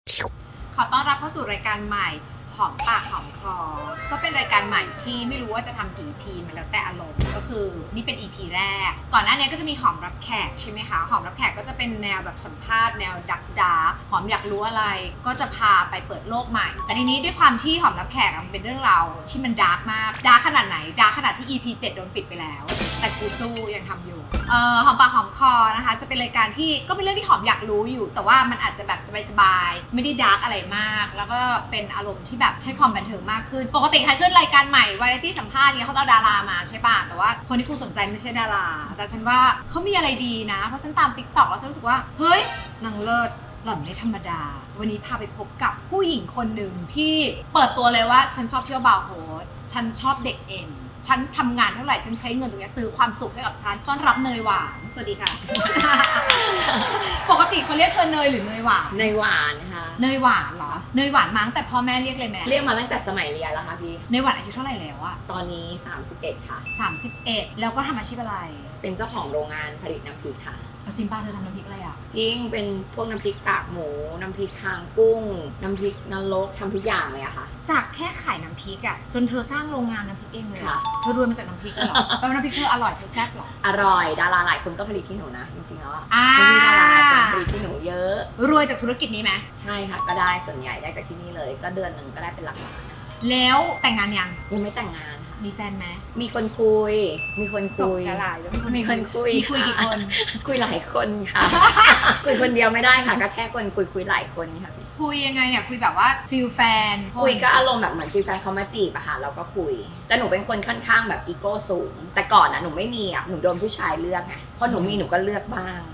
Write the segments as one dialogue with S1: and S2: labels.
S1: ขอต้อนรับเข้าสู่รายการใหม่หอมปากหอมคอก็เป็นรายการใหม่ที่ไม่รู้ว่าจะทำกี่ EP มันแล้วแต่อารมณ์ก็คือนี่เป็น EP แรกก่อนหน้านี้ก็จะมีหอมรับแขกใช่ไหมคะหอมรับแขกก็จะเป็นแนวแบบสัมภาษณ์แนวดักดาหอมอยากรู้อะไรก็จะพาไปเปิดโลกใหม่แต่ทีนี้ด้วยความที่หอมรับแขกมันเป็นเรื่องราวที่มันดาร์กมากดาร์กขนาดไหนดาร์กขนาดที่ EP 7 โดนปิดไปแล้วแต่กูสู้ยังทำอยู่หอมปากหอมคอนะคะจะเป็นรายการที่ก็เป็นเรื่องที่หอมอยากรู้อยู่แต่ว่ามันอาจจะแบบสบายๆไม่ได้ดาร์กอะไรมากแล้วก็เป็นอารมณ์ที่แบบให้ความบันเทิงมากขึ้นปกติใครขึ้นรายการใหม่วาไรตี้สัมภาษณ์เนี่ยเขาจะเอาดารามาใช่ป่ะแต่ว่าคนที่กูสนใจไม่ใช่ดาราแต่ฉันว่าเขามีอะไรดีนะเพราะฉันตาม TikTok แล้วฉันรู้สึกว่าเฮ้ยนางเลิศหล่อนไม่ธรรมดาวันนี้พาไปพบกับผู้หญิงคนหนึ่งที่เปิดตัวเลยว่าฉันชอบเที่ยวบาร์โฮสฉันชอบเด็กเอ็นฉันทำงานเท่าไหร่ฉันใช้เงินตรงนี้ซื้อความสุขให้กับฉันต้อนรับเนยหวานสวัสดีค่ะ ปกติเขาเรียกเธอเนยหรือเนยหวาน
S2: เนยหวานค่ะ
S1: เนยหวานเหรอเนยหวานมาตั้งแต่พ่อแม่เรียกเลยแม่
S2: เรียกมาตั้งแต่สมัยเรียนแล้วค่ะพี่
S1: เนยหวานอายุเท่าไหร่แล้วอะ
S2: ตอนนี้31ค่ะ
S1: 31แล้วก็ทำอาชีพอะไร
S2: เป็นเจ้าของโรงงานผลิตน้ำพริกค่ะ
S1: เอาจริงป่ะเธอทำน้ำพริกอะไรอะ
S2: จริงเป็นพวกน้ำพริกกากหมูน้ำพริกคางกุ้งน้ำพริกนรกทำทุกอย่างเลยอะค่ะ
S1: จากแค่ขายน้ำพริกอะจนเธอสร้างโรงงานน้ำพริกเองเลย
S2: ค่ะ
S1: เธอรวยมาจากน้ำพริกเหรอแปลว่าน้ำพริกเธออร่อยเธอแซ่บเหรอ
S2: อร่อยดาราหลายคนก็ผลิตที่หนูนะจริงๆแล้วอะ
S1: อ่า
S2: มีดาราหลายคนผลิตที่หนูเยอะ
S1: รวยจากธุรกิจนี้ไหม
S2: ใช่ค่ะก็ได้ส่วนใหญ่ได้จากที่นี่เลยก็เดือนหนึ่งก็ได้เป็นหลักล้านนะคะ
S1: แล้วแต่งงานยัง
S2: ไม่แต่งงานค่ะ
S1: มีแฟนไหม
S2: มีคนคุยมีคนคุย
S1: ตกกระหลายแล้ว
S2: มีคนคุย
S1: มีคุยกี่คน
S2: คุยหลายคนค่ะ คุยคนเดียวไม่ได้ค่ะก็แค่คนคุยหลายคนค่ะ
S1: คุยยังไงอะคุยแบบว่าฟิลแฟน
S2: คุยก็อารมณ์แบบเหมือนฟีลแฟนเขามาจีบอะค่ะเราก็คุยแต่หนูเป็นคนค่อนข้างแบบอีโก้สูงแต่ก่อนอะหนูไม่มีอะหนูโดนผู้ชายเลือกไงพอหนูมีหนูก็เลือกบ้าง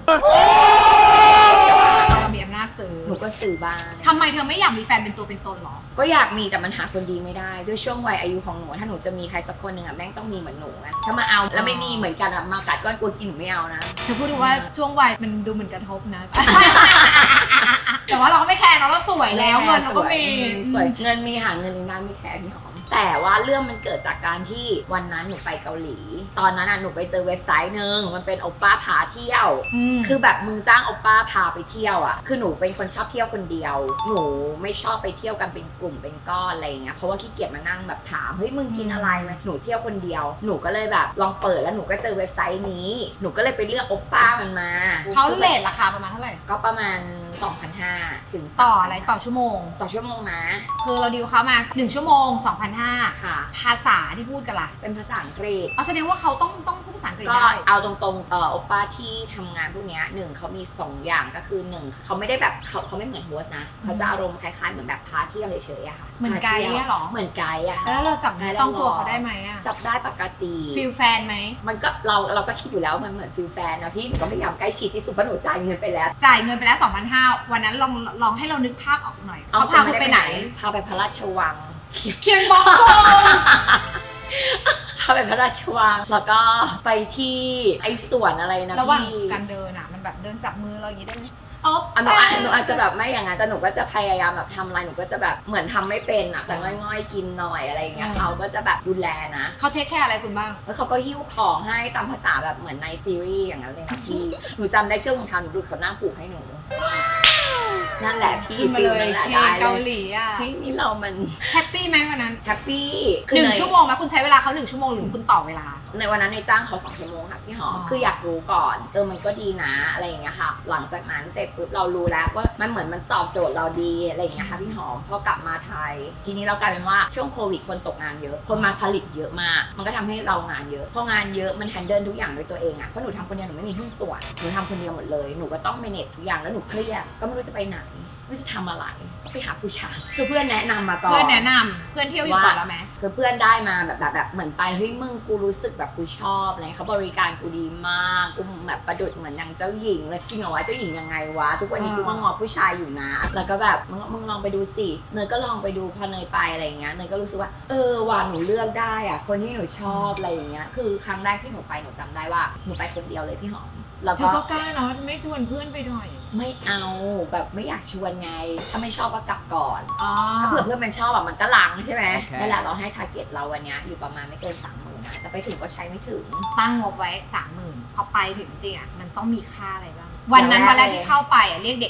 S1: เรามีอำนาจซื้อ
S2: หนูก็ซื้อบ้าง
S1: ทำไมเธอไม่อยากมีแฟนเป็นตัวเป็นตนหรอ
S2: ก็อยากมีแต่มันหาคนดีไม่ได้ด้วยช่วงวัยอายุของหนูถ้าหนูจะมีใครสักคนหนึ่งอะแม่งต้องมีเหมือนหนูไงถ้ามาเอาแล้วไม่มีเหมือนกันอะมากัดก้อนกูกินหนูไม่เอานะ
S1: เธอพูดดูว่าช่วงวัยมันดูเหมือนกระทบนะ แต่ว่าเราก็ไม่แคร์เนาะเราสวยแล้วเงินเราก็มี
S2: สวยเงินมีหาเงินอีกนานไม่แคร์พี่หอมแต่ว่าเรื่องมันเกิดจากการที่วันนั้นหนูไปเกาหลีตอนนั้นน่ะหนูไปเจอเว็บไซต์นึงมันเป็นโอป้าพาเที่ยวคือแบบมึงจ้างโอป้าพาไปเที่ยวอ่ะคือหนูเป็นคนชอบเที่ยวคนเดียวหนูไม่ชอบไปเที่ยวกันเป็นกลุ่มเป็นก้อนอะไรเงี้ยเพราะว่าขี้เกียจมานั่งแบบถามเฮ้ยมึงกินอะไรไหมหนูเที่ยวคนเดียวหนูก็เลยแบบลองเปิดแล้วหนูก็เจอเว็บไซต์นี้หนูก็เลยไปเลือกโอป้ามันมา
S1: เขาเรทราคาประมาณเท่าไหร่
S2: ก็ประมาณ 2,500 ถึง
S1: ต่ออะไรต่อชั่วโมง
S2: นะ
S1: คือเราดีลเขามา1ชั่วโมง 2,500
S2: ค่ะ
S1: ภาษาที่พูดกันล่ะ
S2: เป็นภาษาอังกฤษ
S1: แสดงว่าเขาต้องพูดภาษาอังกฤษ
S2: ก็
S1: ได้
S2: เอาตรงๆโอป้าที่ทำงานพวกนี้หนึ่งเขามี2อย่างก็คือ1เขาไม่ได้แบบเขาไม่เหมือนโฮสนะเขาจะอารมณ์คล้ายๆเหมือนแบบพาเที่ยวเฉยๆอะค่ะ
S1: เหมือนไกด์เนี่ยหรอ
S2: เหมือนไกด์อะ
S1: แล้วเราจับต้องตัวเขาได้ไหมอะ
S2: จับได้ปกติ
S1: ฟิลแฟนไหม
S2: มันก็เราก็คิดอยู่แล้วมันเหมือนฟิลแฟนนะพี่หนูก็พยายามใกล้ชิดที่สุดเพราะหนูจ่ายเงินไปแล้ว
S1: 2,500 วันนั้นลองให้เรานึกภาพออกหน่อยเขาพาไปไหน
S2: พาไปพระราชวัง
S1: เคียงบอก
S2: พาไปพระราชวังแล้วก็ไปที่ไอ้สวนอะไรนะ
S1: ระหว่างการเดินอะมันแบบเดินจับมือเราอย่างนี้ได้ไหม
S2: หนูอาจจะแบบไม่อย่างนั้นแต่หนูก็จะพยายามแบบทำอะไรหนูก็จะแบบเหมือนทำไม่เป็นอ่ะจะง่อยๆกินหน่อยอะไรอย่างเงี้ยเขาก็จะแบบดูแลนะ
S1: เขาเทคแคร์อะไรคุณบ้าง
S2: แล้วเขาก็หิ้วของให้ตามภาษาแบบเหมือนในซีรีส์อย่างนั้นเลยนะพี่หนูจำได้ช่วงของทำหนูดูเขาหน้าผูกให้หนูนั่นแหละพี่ฟิลนั่นแหละได้
S1: เกาหลีอ่ะ
S2: นี่เรามัน
S1: แฮปปี้ไหมวันนั้น
S2: แฮปปี้
S1: 1 ชั่วโมงไหมคุณใช้เวลาเขา1 ชั่วโมงหรือคุณต่อเวลา
S2: ในวันนั้นในจ้างเขา2 ชั่วโมงค่ะพี่หอมคืออยากรู้ก่อนมันก็ดีนะอะไรอย่างเงี้ยค่ะหลังจากนั้นเสร็จปุ๊บเรารู้แล้วว่ามันเหมือนมันตอบโจทย์เราดีอะไรอย่างเงี้ยค่ะพี่หอมพอกลับมาไทยทีนี้เรากลายเป็นว่าช่วงโควิดคนตกงานเยอะคนมาผลิตเยอะมากมันก็ทำให้เรางานเยอะพองานเยอะมันแฮนเดิลทุกอย่างด้วยตัวเองอ่ะเพราะหนูทำคนเดียวหนูไม่มีหุ้นส่วนหนูทำคนเดียวหมดเลยหนูก็ต้องเมเนจทุกอย่างแล้วหนูเครียดก็ไม่รู้จะไปไหนไม่รู้จะทำอะไรก็ไปหาผู้ชายคือเพื่อนแนะนำมาก่อน
S1: เพื่อนแนะนำเพื่อนเที่ยวอยู่ก่อนแล้วไหม
S2: คือเพื่อนได้มาแบบเหมือนไปเฮ้ยมึงกูรู้สึกแบบกูชอบอะไรเขาบริการกูดีมากกูแบบประดุจเหมือนนางเจ้าหญิงเลยจริงเหรอวะเจ้าหญิงยังไงวะทุกวันนี้กูก็งอผู้ชายอยู่นะแล้วก็แบบมึงลองไปดูสิเนยก็ลองไปดูพอเนยไปอะไรอย่างเงี้ยเนยก็รู้สึกว่าว่าหนูเลือกได้อะคนที่หนูชอบอะไรอย่างเงี้ยคือครั้งแรกที่หนูไปหนูจำได้ว่าหนูไปคนเดียวเลยพี่หอม
S1: แล้วก็กล้าเนาะไม่ชวนเพื่อนไปหน่อย
S2: ไม่เอาแบบไม่อยากชวนไงถ้าไม่ชอบก็กลับก่อนถ้าเผื่อเพื่อนมันชอบแบบมันก็ลังใช่ไหมนั่นแหละเราให้ทาร์เก็ตเราวันนี้อยู่ประมาณไม่เกิน 30,000 นะแต่ไปถึงก็ใช้ไม่ถึง
S1: ตั้งงบไว้ 30,000พอไปถึงจริงอ่ะมันต้องมีค่าอะไรบ้างวันนั้นวันแรกที่เข้าไปเรียกเด็กกี่คน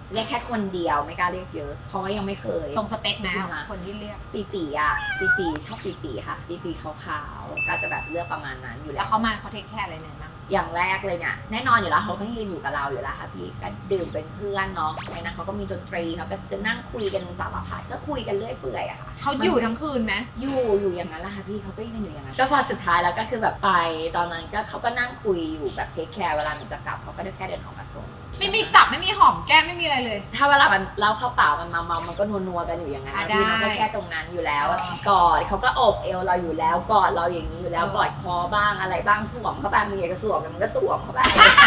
S2: เรียกแค่คนเดียวไม่กล้าเรียกเยอะเพราะว่ายังไม่เคย
S1: ตรงสเปคไหม
S2: ใช่ไหม
S1: คนที่เรียก
S2: ตีอ่ะตีชอบตีค่ะตีขาวๆก็จะแบบเลือกประมาณนั้นอยู่
S1: แล้
S2: แล้ว ว
S1: เขามาเขาเทคแคร์อะไรเนี่ยบ้าง
S2: อย่างแรกเลยเนี่ยแน่นอนอยู่แล้วเขาต้องยืนอยู่กับเราอยู่แล้วค่ะพี่ก็ดื่มเป็นเพื่อนเนาะในนั้นเขาก็มีดนตรีเขาก็จะนั่งคุยกันสารพัดก็คุยกันเรื่อยเปื่อยอะค่ะ
S1: เขาอยู่ทั้งคืนไหม
S2: อยู่อย่างนั้นแหละค่ะพี่เขาก็ยืนอยู่อย่างนั้นแล้วพอสุดท้ายแล้วก็คือแบบไปตอนนั้นก็เขาก็นั่งคุยอยู่แบบเทคแคร์เวลาหนูจะกลับเขาก็ได้แค่เดินออกมาส่ง
S1: ไม่มีจับไม่มีหอมแก้มไม่มีอะไรเลย
S2: ถ้าเวลามันเล่าเข้าเปล่ามันเมามันก็นัวๆกันอยู่อย่างนั้น
S1: อ่ะ
S2: นะพี่
S1: ได้
S2: มันก็แค่ตรงนั้นอยู่แล้ว
S1: อ๋อ
S2: กอดเขาก็โอบเอวเราอยู่แล้วกอดเราอย่างนี้อยู่แล้ว
S1: เออ
S2: กอดคอบ้างอะไรบ้างสวมเข้าไปมึงอยากจะสวมมันก็สวมเข้าไป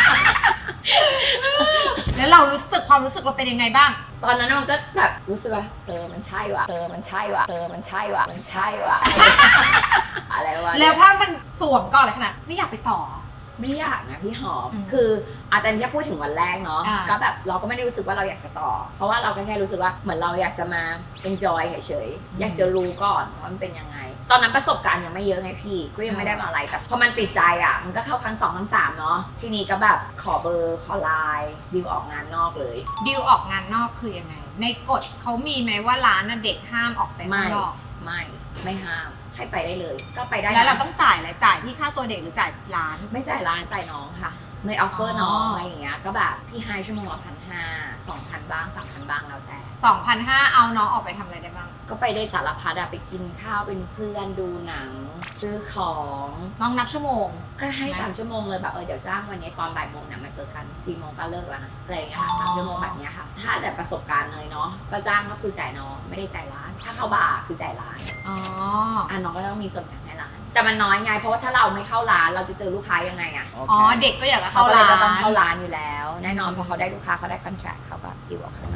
S1: แล้วเรารู้สึกความรู้สึกเราเป็นยังไงบ้าง
S2: ตอนนั้นมันก็แบบรู้สึกว่ามันใช่ว่ะมันใช่ว่ะมันใช่ว่ะมันใช่ว่ะ อะไรวะ
S1: แล้วถ้ามันสวมก่อนเลยขนาดไม่อยากไปต่อ
S2: ไม่อยากนะพี่หอม
S1: อืม
S2: คืออาจารย์แค่พูดถึงวันแรกเนาะ
S1: อ่า
S2: ก็แบบเราก็ไม่ได้รู้สึกว่าเราอยากจะต่อ เพราะว่าเราก็แค่รู้สึกว่าเหมือนเราอยากจะมา enjoy เฉยๆอยากจะรู้ก่อนว่ามันเป็นยังไง ตอนนั้นประสบการณ์ยังไม่เยอะไงพี่ก็ยังไม่ได้มาอะไรแต่พอมันติดใจอ่ะมันก็เข้าครั้ง2ครั้ง3เนาะทีนี้ก็แบบขอเบอร์ขอไลน์ดิวออกงานนอกเลย
S1: ดิวออกงานนอกคือยังไง ในกฎเขามีไหมว่าร้านน่ะเด็กห้ามออกไปข้างนอก
S2: ไม่ห้ามให้ไปได้เลยก็ไปได้นะ
S1: แล้วเราต้องจ่ายอะไรจ่ายที่ค่าตัวเด็กหรือจ่ายร้าน
S2: ไม่จ่ายร้านจ่ายน้องค่ะในออฟเฟอร์น้อง
S1: อ๋ออ
S2: อะไรอย่างเงี้ยก็แบบพี่ให้ชั่วโมงละ1,500 2,000บ้าง3,000บ้างแล้วแต่
S1: 2,500เอาน้องออกไปทำอะไรได้บ้าง
S2: ก็ไปได้สารพัดอะไปกินข้าวเป็นเพื่อนดูหนัง ซื้อของ
S1: น้องนับชั่วโมง
S2: ก็ให้3ชั่วโมงเลยแบบเดี๋ยวจ้างวันนี้ตอนบ่ายโมงเนี่ยมาเจอกัน4โมงก็เลิกแล้วนะอะไรอย่างเงี้ยค่ะ3ชั่วโมงแบบเนี้ยค่ะ ถ้าแต่ประสบการณ์เลยเนาะก็จ้างก็คือจ่ายน้องไม่ได้จ่ายร้าน ถ้าเข้าบาร์คือจ่ายร้าน
S1: อ๋อ
S2: น้องก็ต้องมีส่วนแบ่งให้ร้าน แต่มันน้อยไงเพราะว่าถ้าเราไม่เข้าร้านเราจะเจอลูกค้ายังไงอะ
S1: อ๋อ เด็กก็อยากจะ
S2: เขา
S1: เข้า
S2: ก็เลย
S1: ร้าน
S2: จะต้องเข้าร้านอยู่แล้ว แน่นอนพอเขาได้ลูกค้าเขาได้คอนแทรคเขาก็ดีลออกข้างนอก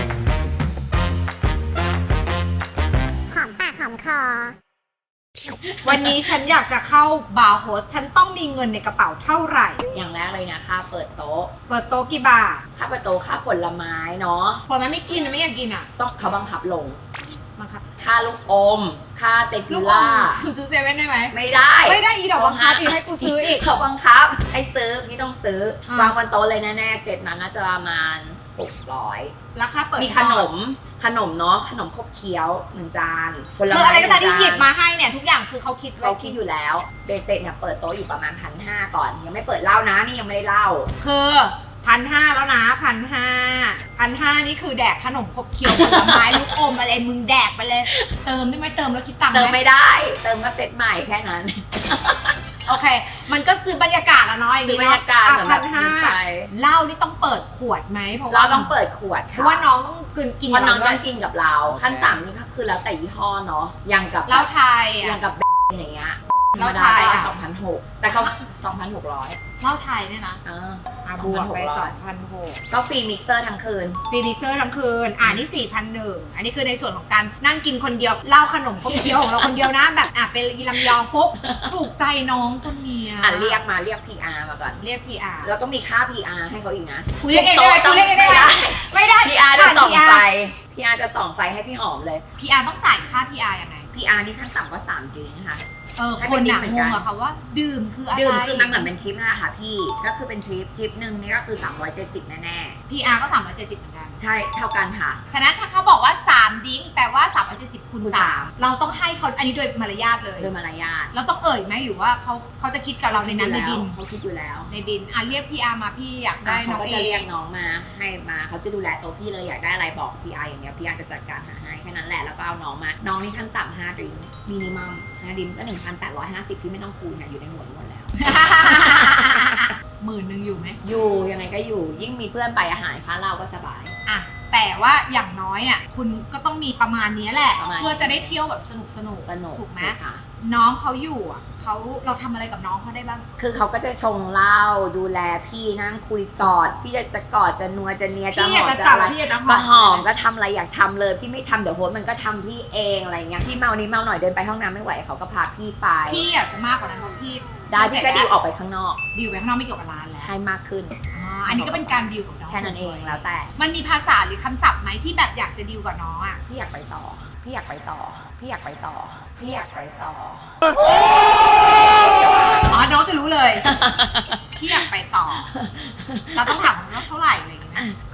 S3: หอมปากหอมคอ
S1: วันนี้ฉันอยากจะเข้าบาร์โฮสฉันต้องมีเงินในกระเป๋าเท่าไหร่
S2: อย่างแรกเลยนะค่าเปิดโต๊ะ
S1: เปิดโต๊ะกี่บาท
S2: ค่าเปิดโต๊ะค่าผลไม้เนาะ
S1: พอมันไม่กินนะไม่อยากกินอ่ะ
S2: ต้องเขาบังคับลง
S1: บังคับ
S2: ค่าลูกอม ค่าเต
S1: ลู
S2: กิ
S1: กอม
S2: ล่า
S1: คุณซื้อเซเว่นได้ไหม
S2: ไม่ได้
S1: ไม่ได้อีดอกบังคับอีกให้กูซื้ออีก
S2: เขาบังคับให้ซื้อพี่ต้องซื้อ
S1: อ่ะ
S2: วางบนโต๊ะเลยแน่ๆเสร็จนั้นน่าจะประมาณ600
S1: ราคาเปิด
S2: มีขนมเนาะขนมครบเคี้ยว1จานผล
S1: คือ
S2: ไม้
S1: อะไรก็ตามที่
S2: 1
S1: หยิบมาให้เนี่ยทุกอย่างคือเขาคิด
S2: เขาคิดอยู่แล้วเบสเซ็ตเนี่ยเปิดโต๊ะอยู่ประมาณ1,500ก่อนยังไม่เปิดเหล้านะนี่ยังไม่ได้เหล้า
S1: คือ1,500แล้วนะ1,500นี่คือแดกขนมขบเคี้ยวผลไม้ลูกอมอะไรมึงแดกไปเลย เติมได้ไหมเติมแล้วคิดตังค์
S2: เติม
S1: ไหม
S2: ไม่ได้เติมมาเซ็ตใหม่แค่นั้น
S1: โอเค มันก็ซื้อบรรยากาศอะเนาะอย่าง
S2: ซื้อ
S1: นี้
S2: บรรยากาศ
S1: อ่ะ
S2: สำหรับ
S1: 1,500
S2: ไป
S1: เหล้านี่ต้องเปิดขวดไหมเพราะว่า
S2: เราต้องเปิดขวด
S1: เพ
S2: ค่ะ
S1: ราะว่าน้องต้องกิน
S2: เพราะน้อง
S1: ด้
S2: ต้
S1: ว
S2: อย งกินกับเรา
S1: โอเค
S2: ขั้นต่ำนี่ก็คือแล้วแต่ยี่ห้อเนาะอย่างกับ
S1: เหล้าไทย
S2: อ
S1: อะ
S2: ย่างกับอย่างเงี้ย
S1: เหล้าไทยอะ
S2: 2,600แต่เขา2,600
S1: เหล้าไทยเนี่ยนะ บวกไป
S2: 2,600
S1: 2,600
S2: ก็ฟรีมิกเซอร์ทั้งคืน
S1: ฟรีมิกเซอร์ทั้งคืนนี่4,100อันนี้คือในส่วนของการนั่งกินคนเดียวเหล้าขนมขบเคี้ยวของเราคนเดียวนะแบบเป็นยีลำยองปุ๊บถูกใจน้องคนเนี้ย
S2: เรียก PR มาก่อน
S1: เรียก PR
S2: แล้วก็มีค่า PR ให้เขาอีกนะ
S1: กูเรียกเองได้ไหมกูเรียกเองได้ไหมไม่ได้
S2: PR จะส่อง
S1: PR
S2: ไฟ PR จะส่องไฟให้พี่หอมเลย
S1: PR ต้องจ่ายค่า PR ยังไง
S2: PR นี่ขั้นต่ำก็3ดริงก์ค่ะ ให้
S1: ค
S2: เป็น น
S1: หนัก
S2: เหมือน
S1: ง
S2: กัน
S1: งอะค่ะว่า ดื่มคืออะไร
S2: ดื่มคือมันเหมือนเป็นทริปนั่นแหละค่ะพี่ ก็คือเป็นทริปหนึ่งนี่ก็คือ370แน่
S1: PR ก็370เหมือนกัน
S2: ๆ ใช่เท่ากันค่ะ
S1: ฉะนั้นถ้าเขาบอกว่า3ดิ้งแปลว่า370คูณ
S2: คูณ
S1: 3เราต้องให้เขาอันนี้โดยมารยาทเลย
S2: โดยมารยาท
S1: เราต้องเอ่ยไหมหรือว่าเขาจะคิดกับเราในนั้นในบิน
S2: เขาคิดอยู่แล้ว
S1: ในบินเรียก PR มาพี่อยากได้น้
S2: เขา
S1: อง
S2: ก็
S1: เอ
S2: จะเรียก
S1: ง
S2: น้องมาให้มาเขาจะดูแลตัวพี่เลยอยากได้อะไรบอก PR อย่างเดียว PR จะจัดการหาให้แค่นั้นแหละแล้วก็เอาน้องมาน้องนี่ขั้นต่ำ5ดริงก์มินิมัม5ดริงก์ก็ 1,850 พี่ไม่ต้องคูณค่ะอยู่ในหัวหมดแล้ว
S1: 10,000อยู่ไหม
S2: อยู่ยังไงก็อยู่ยิ่งมีเพื่อนไปอาหารค้าเราก็สบาย
S1: อ่ะแต่ว่าอย่างน้อยอ่ะคุณก็ต้องมีประมาณนี้แหละ
S2: ประมาณ
S1: เพื่อจะได้เที่ยวแบบสนุก
S2: สนุก
S1: ถูกไหม
S2: ค่ะ
S1: น้องเขาอยู่อ่ะเราทำอะไรกับน้องเขาได้บ้าง
S2: คือเขาก็จะชงเหล้าดูแลพี่นั่งคุยกอดพี่จะกอดจะนัวจะเนียจะ
S1: พี่
S2: ห
S1: อยา
S2: อก ม
S1: จะ
S2: จะ
S1: จับ
S2: อะไร
S1: พี่อยากจะห
S2: ก็
S1: อม
S2: หอมก็ทำอะไรอยากทำเลยพี่ไม่ทำเดี๋ยวโฮสต์มันก็ทำพี่เองอะไรเงี้ยพี่เมานี้เมาหน่อยเดินไปห้องน้ำไม่ไหวเขาก็พาพี่ไป
S1: พี่อยากจะมากกว่านั้นเพราะพี่
S2: ได้พี่ก็ดีลออกไปข้างนอก
S1: ดีลไปข้างนอกไม่เกี่ยวกับร้านแล้ว
S2: ให้มากขึ้น
S1: อันนี้ก็เป็นการดีลกับน้อง
S2: แค่นั้นเองแล้วแต่
S1: มันมีภาษาหรือคำศัพท์ไหมที่แบบอยากจะดีลกับน้องอ่ะ
S2: พี่อยากไปต่อพี่อยากไปต่อพี่อยากไปต่อพี่อยากไปต่อ
S1: น้องจะรู้เลย พี่อยากไปต่อ เราต้องถามว่าเท่าไหร่อะไรอย่างเงี้ย
S2: อ่ะส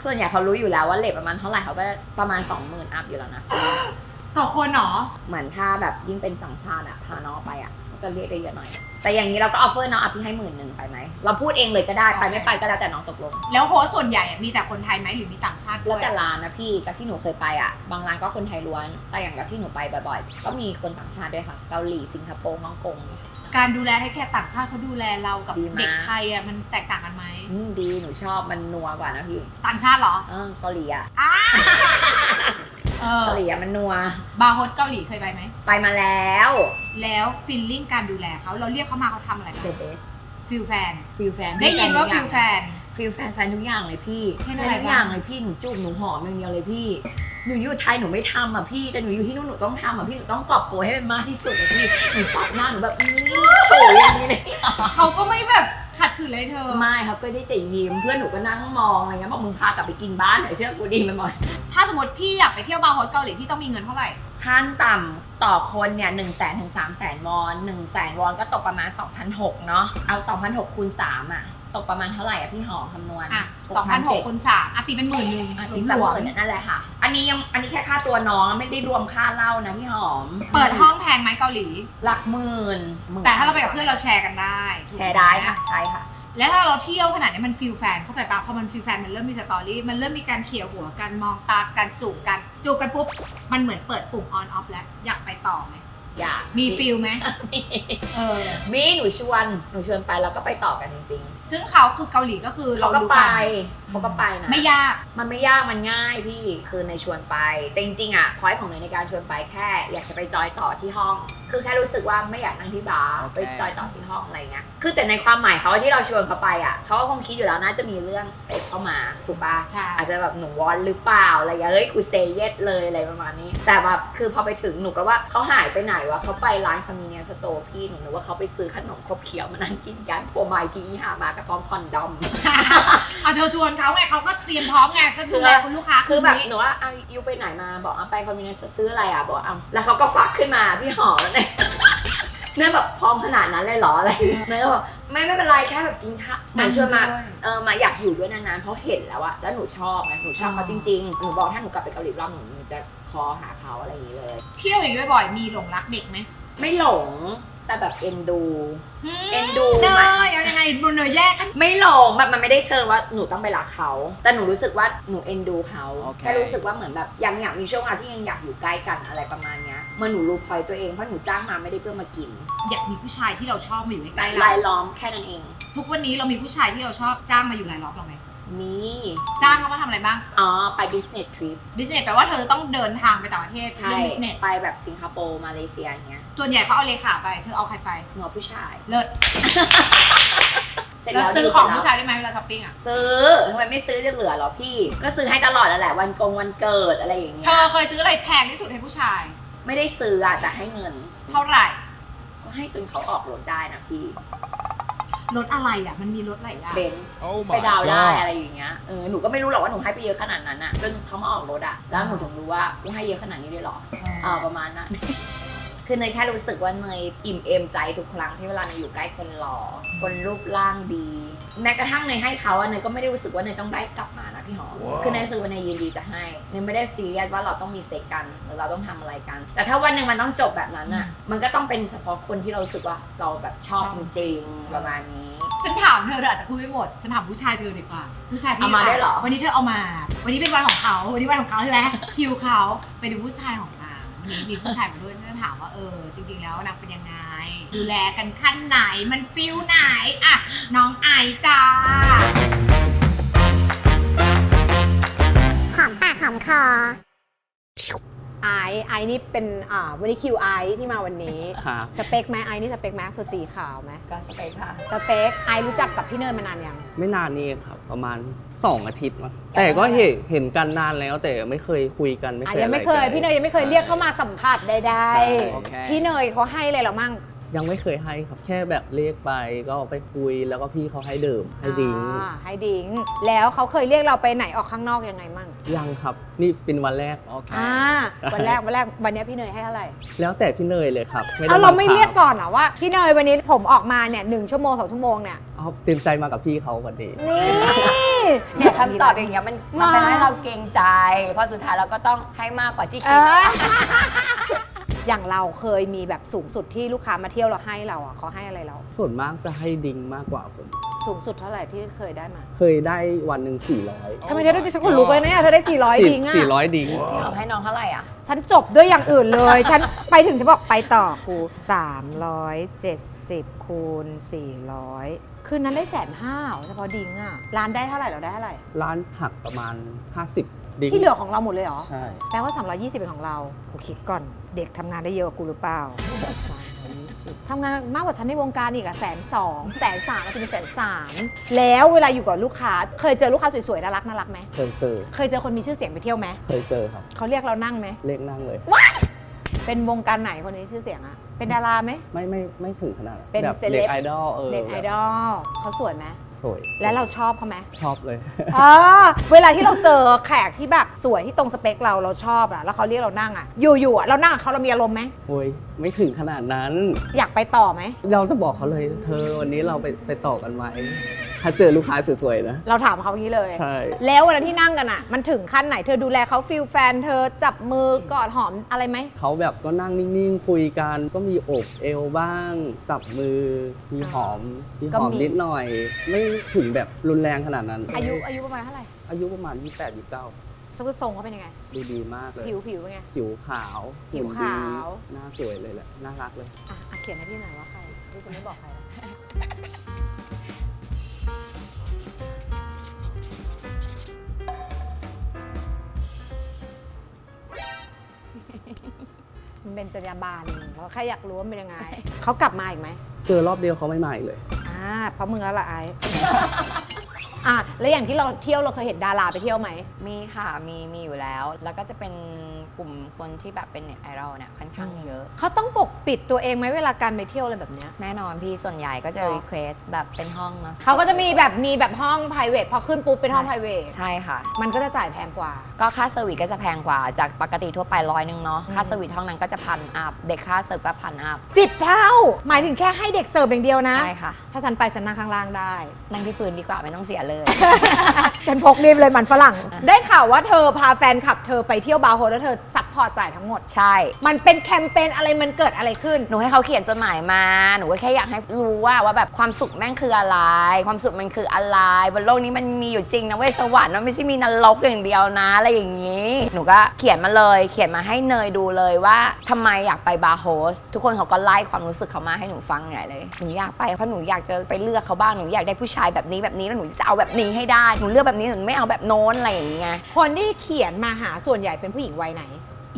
S2: ส่วนใหญ่เขารู้อยู่แล้วว่าเลทประมาณเท่าไหร่เขาก็ประมาณ 20,000 อัพอยู่แล้วนะ
S1: ต่อคนเหรอ
S2: เหมือนถ้าแบบยิ่งเป็นต่างชาติอะพาน้องไปอะจะเรียกได้เยอะหน่อย แต่อย่างนี้เราก็ออฟเฟอร์น้องพี่ให้10,000ไปไหมเราพูดเองเลยก็ได้ไปไม่ไปก็แล้วแต่น้องตกลง
S1: แล้วโฮสต์ส่วนใหญ่อะมีแต่คนไทยไหมหรือมีต่างชาติด้วย
S2: แล้วแต่ร้านนะพี่กับที่หนูเคยไปอะบางร้านก็คนไทยล้วนแต่อย่างกับที่หนูไปบ่อยๆก็มีคนต่างชาติด้วยค่ะเกาหลีสิงคโปร์ฮ่องกง
S1: การดูแลให้แค่ต่างชาติเขาดูแลเรากับ
S2: ดีมาก
S1: เด็กไทยอะมันแตกต่างกันไหม
S2: ดีหนูชอบมันนัวกว่านะพี่
S1: ต่างชาติเหรอ
S2: เกาหลีอะ
S1: อ้าเออ
S2: เกาหลีอะมันนัว
S1: บาร์โฮสเกาหลีเคยไปไหม
S2: ไปมาแล้ว
S1: แล้วฟีลลิ่งการดูแลเขาเราเรียกเขามาเขาทำอะไร
S2: the best
S1: ฟิลแฟน
S2: ฟิลแฟน
S1: ได้ยินว่าฟิลแฟน
S2: ฟิลแฟนแฟนทุกอย่างเลยพี่
S1: เช่นอะไร
S2: ทุกอย่างเลยพี่หนูจูบหนูหอมอย่างเดียวเลยพี่หนูอยู่ไทยหนูไม่ทำอ่ะพี่แต่หนูอยู่ที่นู่นหนูต้องทำอ่ะพี่หนูต้องกอบโกยให้มันมากที่สุดอ่ะพี่หนูจับหน้าหนูแบบโอ้ยอย่างนี้เลย
S1: เขาก็ไม่แบบขัดขืนเลยเธอ
S2: ไม่ครับก็ได้แต่ยิ้มเพื่อนหนูก็นั่งมองอะไรเงี้ยบอกมึงพากลับไปกินบ้านเถอะเชื่อกูดีมันหมด
S1: ถ้าสมมติพี่อยากไปเที่ยวบาร์โฮสเกาหลีพี่ต้องมีเงินเท่าไหร่
S2: ขั้นต่ำต่อคนเนี่ย100,000 ถึง 300,000 วอน100,000 วอนก็ตกประมาณ 2,600 เนาะเอา 2,600 คูณ 3อ่ะตกประมาณเท่าไหร่อ่ะพี่หอมคำนวณ
S1: อ่ะ2,600คูณ3อ่ะตีเป็น10,000
S2: อ่ะ
S1: ห
S2: อีก
S1: ลวม
S2: 30,000นั่นแหละค่ะอันนี้แค่ค่าตัวน้องไม่ได้รวมค่าเหล้านะพี่หอม
S1: ๆเปิดห้องแพงไหมเกาหลี
S2: หลักหมื่น
S1: แต่ถ้าเราไปกับเพื่อนเราแชร์กันได้ถูกหม
S2: แชร์ได้ค่ะใช่ค่ะ
S1: แล้วถ้าเราเที่ยวขนาดนี้มันฟิลแฟนเข้าใจปะพอมันฟิลแฟนมันเริ่มมีสตอรี่มันเริ่มมีการเขี่ยหัวกันมองตากันจูบกันปุ๊บมันเหมือนเปิดปุ่มออนออฟแล้วอยากไปต่อไหม
S2: อยาก
S1: มีฟิลไหมเออ
S2: มีหนูชวนไปแล้วก็ไปต่อกันจริง
S1: ซึ่งเขาคือเกาหลีก็คือ
S2: ๆ
S1: เรา
S2: เขาก็
S1: รู้
S2: ไป
S1: กัน
S2: เขาก็ไปนะ
S1: ไม่ยาก
S2: มันไม่ยากมันง่ายพี่คือในชวนไปแต่จริงๆอ่ะพอยต์ของเนยในการชวนไปแค่อยากจะไปจอยต่อที่ห้อง คือแค่รู้สึกว่าไม่อยากนั่งที่บาร์ไปจอยต่อที่ห้องอะไรเงี้ยคือแต่ในความหมายเขาที่เราชวนเขาไปอ่ะเขาก็คงคิดอยู่แล้วน่าจะมีเรื่องเซ็กเข้ามาถูกปะ
S1: ใช่
S2: อาจจะแบบหนูวอนหรือเปล่าอะไรอย่างเงี้ยเฮ้ยกูเซเยสเลยอะไรประมาณนี้ แต่แบบคือพอไปถึงหนูก็ว่าเขาหายไปไหนวะเขาไปร้านคอมมิเนียนสโตร์พี่หนูนึกว่าเขาไปซื้อขนมครบเคี้ยวมานั่งกินกันปัวไม้ที่หามากระพร้อมคอนดอม
S1: เอาเธอชวนเขาไงเขาก็เตรียมพร้อมไงก็ดูแลคุณลูกค้า
S2: คือแบบ
S1: นี้
S2: หนูว่าเอายูไปไหนมาบอกเอาไปคอมมิวนิสต์ซื้ออะไรอ่ะบอกเอาแล้วเขาก็ฟักขึ้นมาพี่หอมแล้วเนี่ย เนี่ยแบบพร้อมขนาดนั้นเลยเหรออะไรเนี่ยก็บอกไม่เป็นไรแค่แบบกินข้าวหนูชวนมามาอยากอยู่ด้วยนานๆเพราะเห็นแล้วอะแล้วหนูชอบไงหนูชอบเขาจริงๆหนูบอกถ้าหนูกลับไปเกาหลีรอบหนูจะคอหาเขาอะไรอย่างนี้เลย
S1: เที่ยวอย่างนี้บ่อยๆมีหลงรักเด็กไหม
S2: ไม่หลงแต่แบบเอ็นดู เอ็นดู
S1: เนยยังไงบนเนยแยกกัน
S2: ไม่หลงแบบมันไม่ได้เชิญว่าหนูต้องไปรักเขาแต่หนูรู้สึกว่าหนูเอ็นดูเขา
S4: โอเค
S2: แค่รู้สึกว่าเหมือนแบบยังอยากมีช่วงเวลาที่ยังอยากอยู่ใกล้กันอะไรประมาณเนี้ยเมื่อหนูรู้พอยตัวเองเพราะหนูจ้างมาไม่ได้เพื่อมากิน
S1: อยากมีผู้ชายที่เราชอบมาอยู่ใกล้ๆ
S2: ราย
S1: เรา
S2: ล้อมแค่นั้นเอง
S1: ทุกวันนี้เรามีผู้ชายที่เราชอบจ้างมาอยู่รายล้อมเราไหม
S2: มี
S1: จ้างเขามาทำอะไรบ้าง
S2: อ๋อไป business trip
S1: บิสเนสแปลว่าเธอต้องเดินทางไปต่างประเทศ
S2: ใช่
S1: เรื่องบิสเนส
S2: ไปแบบสิงคโปร์มาเลเซียอย่างเงี้ย
S1: ส่วนใหญ่เขาเอาเลขาไปเธอเอาใครไป
S2: หนูเอาผู้ชาย
S1: เลิศ
S2: เสร็จ
S1: แล้ว
S2: แล้ว
S1: ซื้อ
S2: ดี
S1: ของ
S2: เสร็จแล้ว
S1: ผู้ชายได้ไหมเวลาช้อปปิ้งอ่ะ
S2: ซื้อทำไมไม่ซื้อจะเหลือหรอพี่ ก็ซื้อให้ตลอดแล้วแหละวันเกิดอะไรอย่างเงี้
S1: เธ
S2: ย
S1: อเคยซื้ออะไรแพงที่สุดให้ผู้ชาย
S2: ไม่ได้ซื้ออะแต่ให้เงิน
S1: เท่าไหร่
S2: ก็ให้จนเขาออกรถได้นะพี่
S1: รถอะไรอ่ะมันมีรถอะไรอ่ะ
S2: เบนซ์
S4: Oh
S2: ไป
S4: my
S2: ดาวน์ได้
S4: god
S2: อะไรอย่างเงี้ยหนูก็ไม่รู้หรอกว่าหนูให้ไปเยอะขนาดนั้นอะจนเขามาออกรถอะแล้วหนูถึงรู้ว่ากูให้เยอะขนาดนี้ด้วยเหรอประมาณนั้น คือเนยแค่รู้สึกว่าเนยอิ่มเอมใจทุกครั้งที่เวลาเนยอยู่ใกล้คนหล่อคนรูปร่างดี แม้กระทั่งเนยให้เขาอะเนยก็ไม่ได้รู้สึกว่าเนยต้องได้กลับมานะพี่หอม
S4: ว้าว
S2: คือเนยรู้สึกว่าเนยยินดีจะให้เนยไม่ได้ซีเรียสว่าเราต้องมีเซ็กกันหรือเราต้องทำอะไรกัน แต่ถ้าวันหนึ่งมันต้องจบแบบนั้นอะมันก็ต้องเป็นเฉพาะคนที่เรารู้สึกว่าเราแบบชอบจริงๆประมาณนี้
S1: ฉันถามเธออาจจะพูดไม่หมดฉันถามผู้ชายเธอดีกว่าผู้ชายที่
S2: เอามาได้เหรอ
S1: วันนี้เธอเอามา วันนี้เป็นวันของเขาวันนี้วันของเขาใช่ไหมคิวเขาไปดูผู้ชายของนางวันนี้มีผู้ชายมาด้วยฉันจะถามว่าจริงๆแล้วนางเป็นยังไงดูแลกันขั้นไหนมันฟิลไหนอะน้องไอซ์จ้า
S3: หอมปากหอมคอ
S5: ไอซ์นี่เป็นวันนี้คิวไอซ์ที่มาวันนี้
S4: ครับ
S5: สเปคไหมไอซ์นี่สเปคไหมคือตีขาวไหม
S2: ก็สเปคค่ะ
S5: สเปคไอซ์รู้จักกับพี่เนยมานานยัง
S4: ไม่นานนี่ครับประมาณ 2 อาทิตย์มั้งแต่ก็เห็นกันนานแล้วแต่ไม่เคยคุยกันไม่เคย
S5: ยังไม่เคย
S4: อะไรกัน
S5: พี่เนยยังไม่เคยเรียกเข้ามาสัมผัสใด
S4: ใช่โอเค
S5: ๆพี่เนยเขาให้เลยเหรอมั่ง
S4: ยังไม่เคยให้ครับแค่แบบเรียกไปก็ไปคุยแล้วก็พี่เขาให้ดื่มให้ดิ้ง
S5: ให้ดิ้งแล้วเขาเคยเรียกเราไปไหนออกข้างนอกยังไงมั่ง
S4: ยังครับนี่เป็นวันแรก
S5: วันแรกวันนี้พี่เนยให้เท่าไหร่
S4: แล้วแต่พี่เนยเลยครับด้
S5: เอาเราไม่
S4: บังคับ
S5: เรียกก่อนเหรอว่าพี่เนยวันนี้ผมออกมาเนี่ย1 ชั่วโมง 2 ชั่วโมงเนี่ย
S4: เอาเต็มใจมากับพี่เขาวันนี้
S5: นี่
S2: เนี่ยคำตอบอย่างเงี้ยมันเป็นให้เราเกรงใจ เพราะสุดท้ายเราก็ต้องให้มากกว่าที่คิด
S5: อย่างเราเคยมีแบบสูงสุดที่ลูกค้ามาเที่ยวเราให้เราอ่ะเขาให้อะไรเรา
S4: ส่วนมากจะให้ดิงมากกว่าผม
S5: สูงสุดเท่าไหร่ที่เคยได้มา
S4: เคยได้วันหนึ่ง400
S5: ทำไมเธอได้ดิฉันคนลุกเลยเนี่ยเธอได้400ดิงอ่ะ
S4: 400ดิง
S2: พี่หอมให้น้องเท่าไหร่อ่ะ
S5: ฉันจบด้วยอย่างอื่นเลย ฉันไปถึงจะบอกไปต่อครู370คูณ400คืนนั้นได้150,000เฉพาะดิงอ่ะร้านได้เท่าไหร่เราได้เท่าไหร่
S4: ร้านหักประมาณ 50 ดิง
S5: ที่เหลือของเราหมดเลยเหรอ
S4: ใช่
S5: แปลว่า320เป็นของเรากูคิดก่อนเด็กทำงานได้เยอะกว่ากูหรือเปล่า320ทำงานมากกว่าฉันในวงการอีกอะ120,000 130,000ก็จะเป็น130,000แล้วเวลาอยู่กับลูกค้าเคยเจอลูกค้าสวยๆน่ารักไหม
S4: เคยเจอ
S5: เคยเจอคนมีชื่อเสียงไปเที่ยวไหม
S4: เคยเจอครับ
S5: เขาเรียกเรานั่งไหม
S4: เลขนั่งเลย
S5: เป็นวงการไหนคนนี้ชื่อเสียงอะเป็นดาราไหม
S4: ไม่ถึงขนาดนั้น
S5: เป็น
S4: แบบ
S5: เซเลบ
S4: เด็กไอดอล
S5: เน็ตไอดอลเขาสวยไหม
S4: สวย
S5: และเราชอบเขาไหม
S4: ชอบเลย
S5: เวลาที่เราเจอแขกที่แบบสวยที่ตรงสเปคเราชอบอะแล้วเขาเรียกเรานั่งอะอยู่ๆอะเรานั่งกับเขาเรามีอารมณ์ไหม
S4: โอ้ยไม่ถึงขนาดนั้น
S5: อยากไปต่อไหม
S4: เราจะบอกเขาเลยเธอวันนี้เราไปต่อกันไหมถ้าเจอลูกค้าสวยๆนะ
S5: เราถามเขาอย่างนี้เลย
S4: ใช่
S5: แล้วเวลาที่นั่งกันอะมันถึงขั้นไหนเธอดูแลเขาฟีลแฟนเธอจับมือกอดหอมอะไรไหม
S4: เขาแบบก็นั่งนิ่งๆคุยกันก็มีโอบเอวบ้าง จับมือมีหอมนิดหน่อย ไม่ถึงแบบรุนแรงขนาดนั้น
S5: อายุประมาณเท่าไหร่
S4: อายุประมาณ 28-29
S5: ทรงเขาเป็นยังไง
S4: ดูดีมากเลย
S5: ผิวเป็นไง
S4: ผิวขาว
S5: ผิวขาว
S4: หุ่นดีหน้าสวยเลยแหละน่ารักเลย
S5: อ่ะเขียนให้พี่หน่อยว่าใครพี่จะไม่บอกใครมันเป็นจรรยาบรรณเราแค่อยากรู้ว่ามันเป็นยังไง เขากลับมาอีกไหม
S4: เจอรอบเดียวเขาไม่มาอีกเลย
S5: เพราะมึงแล้วล่ะไอ้ แล้วอย่างที่เราเที่ยวเราเคยเห็นดาราไปเที่ยวไหม
S2: มีค่ะมีอยู่แล้ว แล้วก็จะเป็นกลุ่มคนที่แบบเป็นเน็ตไอดอลเนี่ยค่อนข้างเยอะ
S5: เขาต้องปกปิดตัวเองไหมเวลาการไปเที่ยวอะไรแบบเนี้ย
S2: แน่นอนพี่ส่วนใหญ่ก็จะ
S5: หรอ
S2: รีเควสแบบเป็นห้องเนาะ
S5: เขาก็จะมีแบบห้อง private พอขึ้นปุ๊บเป็นห้อง private
S2: ใช่ค่ะ
S5: มันก็จะจ่ายแพงกว่า
S2: ก็ค่าเซอร์วิสก็จะแพงกว่าจากปกติทั่วไป100เนาะค่าเซอร์วิสห้องนั้นก็จะ1,000 อัพเด็กค่าเสิร์ฟก็1,000 อัพ
S5: 10 เท่า หมายถึงแค่ให้เด็กเสิร์ฟอย่างเดียวนะ
S2: ใช่ค่ะ
S5: ถ้าฉันไปฉันนั่งข้างล่างได้
S2: นั่งที่พื้นดีกว่าไม่ต้องเสียเลย
S5: ฉันพกรีบเลยมันฝรั่ง ได้ข่าวว่าเธอพาแฟนคลับเธอไปเที่ยวบาร์โฮสแล้วเธอซัพพอร์ตจ่ายทั้งหมด
S2: ใช่
S5: มันเป็นแคมเปญอะไรมันเกิดอะไรขึ้น
S2: หนูให้เขาเขียนจดหมายมาหนูก็แค่อยากให้รู้ว่าแบบความสุขแม่งคืออะไร ความสุขมันคืออะไรบนโลกนี้มันมีอยู่จริงนะเว้ยสวรรค์มันไม่ใช่มีนรกอย่างเดียวนะอะไรอย่างนี้ หนูก็เขียนมาเลยเขียนมาให้เนยดูเลยว่าทำไมอยากไปบาร์โฮสทุกคนเขาก็ไล่ความรู้สึกเขามาให้หนูฟังใหญ่เลยหนูอยากไปเพราะหนูอยากจะไปเลือกเขาบ้างหนูอยากได้ผู้ชายแบบนี้แล้วหนูจะเอาแบบนี้ให้ได้หนูเลือกแบบนี้หนูไม่เอาแบบโน้นอะไรอย่างเงี้ย
S5: คนที่เขียนมาหาส่วนใหญ่เป็นผู้หญิงวัยไหน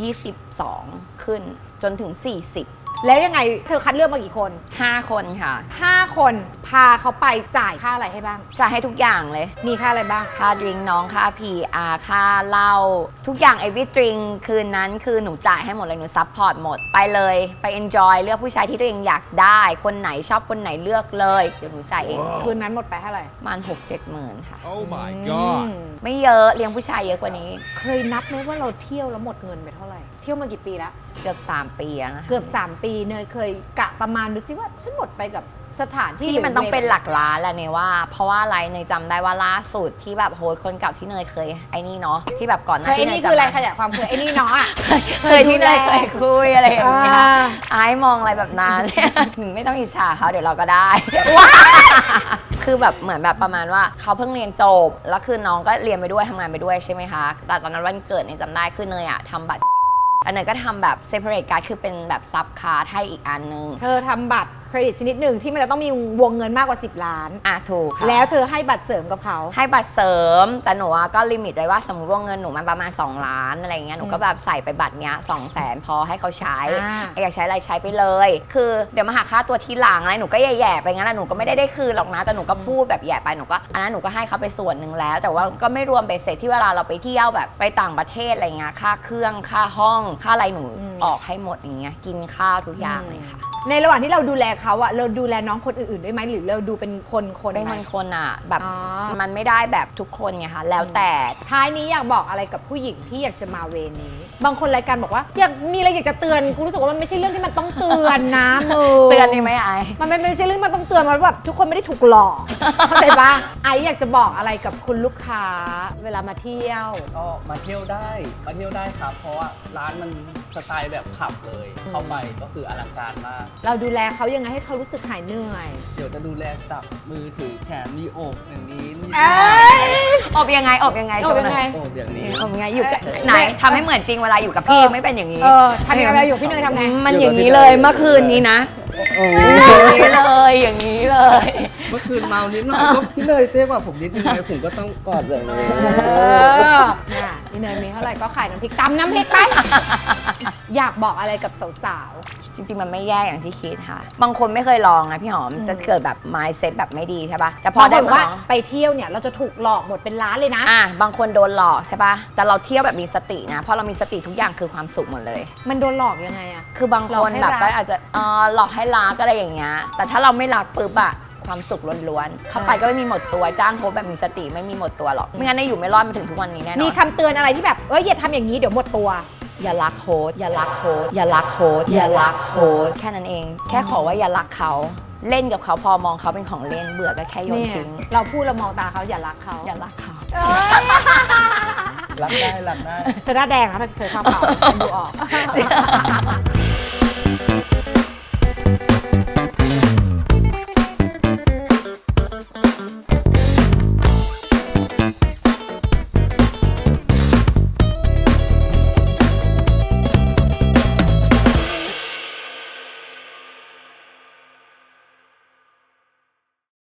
S2: 22 ขึ้นจนถึง 40
S5: แล้วยังไงเธอคัดเลือกมากี่คน
S2: 5 คนค่ะ
S5: 5 คนพาเขาไปจ่ายค่าอะไรให้บ้าง
S2: จะให้ทุกอย่างเลย
S5: มีค่าอะไรบ้าง
S2: ค่าดริงน้องค่า PR ค่าเหล้าทุกอย่าง everything คืนนั้นคือหนูจ่ายให้หมดเลยหนูซัพพอร์ตหมดไปเลยไป enjoy เลือกผู้ชายที่ตัวเองอยากได้คนไหนชอบคนไหนเลือกเลยเดี๋ยวหนูจ่ายเอง
S5: คืนนั้นหมดไปเท่าไหร่
S2: ประมาณ 6-7 หมื่นค่ะ
S6: Oh my god
S2: ไม่เยอะเลี้ยงผู้ชายเยอะกว่านี้
S5: เคยนับไหมว่าเราเที่ยวแล้วหมดเงินไปเท่าไหร่ เที่ยวมากี่ปีแล้ว
S2: เกือบ 3 ปีแล้วนะคะ
S5: เกือบ 3 ปีเนยเคยกะประมาณดูซิว่าฉันหมดไปกับสถานที่
S2: ที่มันต้องเป็นหลักล้านแหละเนี่ยว่า เพราะว่าอะไรเนยจำได้ว่าล่าสุดที่แบบโฮสต์คนเก่าที่เนยเคยไอ้นี่เนาะที่แบบก่อนหน้า
S5: เคยไอ้
S2: ที่เน
S5: นี่
S2: ย
S5: คืออะไร
S2: จำ
S5: ขยายความคือไอ้นี่เนาะอ่ะ
S2: เคยที่เนยเคยคุยอะไรอย่างเงี้ย
S5: อ่า
S2: ไอ้มองอะไรแบบนั้น ไม่ต้องอิจฉาเขาเดี๋ยวเราก็ได้ คือแบบเหมือนแบบประมาณว่าเขาเพิ่งเรียนจบแล้วคือน้องก็เรียนไปด้วยทำงานไปด้วยใช่ไหมคะแต่ตอนนั้นวันเกิดเนี่ยจำได้คือเนยอะทำบัตรอันเนยก็ทำแบบ separate card คือเป็นแบบซับคาร์ดให้อีกอันนึง
S5: เธอทำบัตรเครดิตชนิดหนึ่งที่มันจะต้องมีวงเงินมากกว่า 10 ล้าน
S2: ถูกค่ะ
S5: แล้วเธอให้บัตรเสริมกับเขา
S2: ให้บัตรเสริมแต่หนูอะก็ลิมิตไว้ว่าสมมติว่าเงินหนูมันประมาณ2 ล้านอะไรเงี้ยหนูก็แบบใส่ไปบัตรเนี้ย200,000พอให้เขาใช้ อยากใช้อะไรใช้ไปเลย คือเดี๋ยวมาหักค่าตัวทีหลังอะไรหนูก็แย่ๆไปงั้นแหละหนูก็ไม่ได้คืนหรอกนะแต่หนูก็พูดแบบแย่ไปหนูก็อันนั้นหนูก็ให้เขาไปส่วนหนึ่งแล้ว แต่ว่าก็ไม่รวมเบสเสร็จที่เวลาเราไปเที่ยวแบบไปต่างประเทศอะไรเงี้ยค่าเครื่องค่าห้องค่าอะไรหนูออกให้หมดอย่างเงี้ยกินข้าวทุกอย่างเลยค่ะ
S5: ในระหว่างที่เราดูแลเขาอะเราดูแลน้องคนอื่นๆด้วยไหมหรือเราดูเป็นคน
S2: เป็น
S5: ไหม
S2: คนอ่ะแบบ
S5: อ๋อ
S2: มันไม่ได้แบบทุกคนไงคะแล้วแต่
S5: ท้ายนี้อยากบอกอะไรกับผู้หญิงที่อยากจะมาเวรนี้ บางคนรายการบอกว่าอยากมีอะไรอยากจะเตือนกูรู้สึกว่ามันไม่ใช่เรื่องที่มันต้องเตือนนะมึง
S2: เตือนดีไหมไอ
S5: มันไม่ใช่เรื่องที่มันต้องเตือนมันแบบทุกคนไม่ได้ถูกหลอกเข้าใจปะไออยากจะบอกอะไรกับคุณลูกค้าเวลามาเที่ยว
S4: ก็มาเที่ยวได้ครับ เพราะว่าร้านมันสไตล์แบบผับเลย เข้าไปก็คืออลังการมาก
S5: เราดูแลเขายังไงให้เขารู้สึกหายเหนื่อย
S4: เดี๋ยวจะดูแลจับมือถือแขนมีโอบอย่างนี้นี่
S2: อบยังไงอบยังไง
S5: อบยังไง
S4: โอบอย่างนี้
S2: อบยังไงอยู่กับไหนทำให้เหมือนจริงเวลาอยู่กับพี่ไม่เป็นอย่างนี้
S5: ทำยังไงเวลาอยู่พี่เนยทำไง
S2: มันอย่างนี้เลยเมื่อคืนนี้นะ อย่างนี้เลยอย่างนี้เลย
S4: เมื่อคืนเมานิดหน่อยก็พี่เนยเต้กว่าผมนิดนึงไงผมก็ต้องกอดแบบนี้
S5: เนี่ยพี่เนยมีเท่าไหร่ก็ขายน้ำพริกตำน้ำพริกไป อยากบอกอะไรกับสาว
S2: จริงๆมันไม่แย่อย่างที่คิดค่ะ บางคนไม่เคยลองนะพี่หอมจะเกิดแบบ mindset แบบไม่ดีใช่ปะแต่
S5: ๆ
S2: พอได้
S5: บางคน
S2: มา
S5: ว่า
S2: ลอง
S5: ไปเที่ยวเนี่ยเราจะถูกหลอกหมดเป็นล้านเลยนะ
S2: บางคนโดนหลอกใช่ปะแต่เราเที่ยวแบบมีสตินะเพราะเรามีสติทุกอย่างคือความสุขหมดเลย
S5: มันโดนหลอกยังไงอะ
S2: คือบางคนแบบก็อาจจะหลอกให้รักอะไรอย่างเงี้ยแต่ถ้าเราไม่รักปุ๊บอะความสุขล้วนๆเข้าไปก็ไม่มีหมดตัวจ้างโค้ชแบบมีสติไม่มีหมดตัวหรอกไม่งั้นได้อยู่ไม่รอดมาถึงทุกวันนี้แน่นอน
S5: มีคำเตือนอะไรที่แบบอย่าทำอย่างนี้เดี๋ยวหมดตัว
S2: อย่ารักโค้ชอย่ารักโค้ชอย่ารักโค้ชอย่ารักโค้ชแค่นั้นเอง แค่ขอว่าอย่ารักเขาเล่นกับเขาพอมองเขาเป็นของเล่นเบื่อก็แค่โยน
S5: เนี่ย
S2: ทิ้ง
S5: เราพูดเรามองตาเขาอย่ารักเขา
S2: อย่ารักเขา
S4: รักได้
S5: เธอหน้าแดงนะเธอชอบเขาฉันดูออก